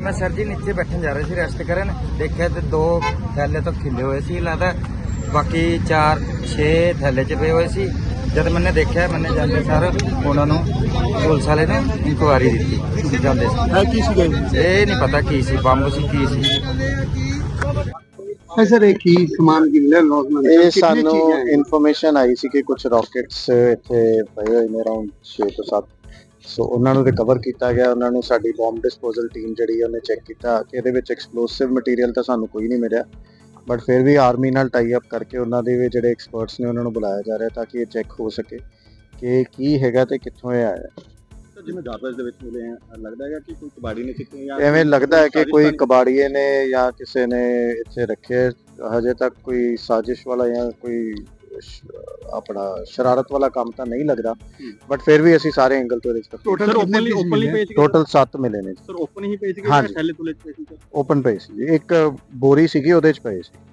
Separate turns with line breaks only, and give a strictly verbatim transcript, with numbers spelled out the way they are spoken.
मैं सर जी नीचे बैठन जा रहे थे रेस्ट करन, देखा तो दो थैले तो खिले हुए सी लगता, बाकी चार छे थैले च पे हुए सी। जब मैंने देखा मैंने जाते सर उन्होंने पुलिस वाले ने इंक्वायरी दी जाते ये नहीं पता की सी बंब सी की सी।
ਸਰ ਇਹ ਕੀ ਸਮਾਨ ਕੀ ਮਿਲਿਆ ਨੌਜਵਾਨ
ਇਹ ਸਾਨੂੰ ਇਨਫੋਰਮੇਸ਼ਨ ਆਈ ਸੀ ਕਿ ਕੁਝ ਰਾਕੇਟਸ ਇੱਥੇ ਪਏ ਹੋਏ ਨੇ ਅਰਾਊਂਡ ਛੇ ਤੋਂ ਸੱਤ, ਸੋ ਉਹਨਾਂ ਨੂੰ ਰਿਕਵਰ ਕੀਤਾ ਗਿਆ। ਉਹਨਾਂ ਨੂੰ ਸਾਡੀ ਬੰਬ ਡਿਸਪੋਜ਼ਲ ਟੀਮ ਜਿਹੜੀ ਉਹਨੇ ਚੈੱਕ ਕੀਤਾ ਕਿ ਇਹਦੇ ਵਿੱਚ ਐਕਸਪਲੋਸਿਵ ਮਟੀਰੀਅਲ ਤਾਂ ਸਾਨੂੰ ਕੋਈ ਨਹੀਂ ਮਿਲਿਆ, ਬਟ ਫਿਰ ਵੀ ਆਰਮੀ ਨਾਲ ਟਾਈ ਅਪ ਕਰਕੇ ਉਹਨਾਂ ਦੇ ਵੀ ਜਿਹੜੇ ਐਕਸਪਰਟਸ ਨੇ ਉਹਨਾਂ ਨੂੰ ਬੁਲਾਇਆ ਜਾ ਰਿਹਾ ਤਾਂ ਕਿ ਇਹ ਚੈੱਕ ਹੋ ਸਕੇ ਕਿ ਕੀ ਹੈਗਾ ਤੇ ਕਿੱਥੋਂ ਇਹ ਆਇਆ।
ਜਿਵੇਂ ਗਾਰਬੇਜ ਦੇ ਵਿੱਚ ਮਿਲੇ ਆ ਲੱਗਦਾ ਹੈਗਾ ਕਿ ਕੋਈ ਕਬਾੜੀ ਨੇ ਕਿਤੇ ਜਾਂ
ਐਵੇਂ ਲੱਗਦਾ ਹੈ ਕਿ ਕੋਈ ਕਬਾੜੀਏ ਨੇ ਜਾਂ ਕਿਸੇ ਨੇ ਇੱਥੇ ਰੱਖੇ। ਹਜੇ ਤੱਕ ਕੋਈ ਸਾਜ਼ਿਸ਼ ਵਾਲਾ ਜਾਂ ਕੋਈ ਆਪਣਾ ਸ਼ਰਾਰਤ ਵਾਲਾ ਕੰਮ ਤਾਂ ਨਹੀਂ ਲੱਗਦਾ, ਬਟ ਫਿਰ ਵੀ ਅਸੀਂ ਸਾਰੇ ਐਂਗਲ ਤੋਂ ਇਹਦੇ
total openly openly page
total ਸੱਤ ਮਿਲੇ ਨੇ
ਸਰ ਓਪਨ ਹੀ ਪੇਜ
ਹਾਂਜੀ।
ਥੈਲੇ ਤੁਲੇ ਪੇਜ
ਓਪਨ ਪਏ ਸੀ, ਇੱਕ ਬੋਰੀ ਸੀਗੀ ਉਹਦੇ ਚ ਪਏ ਸੀ।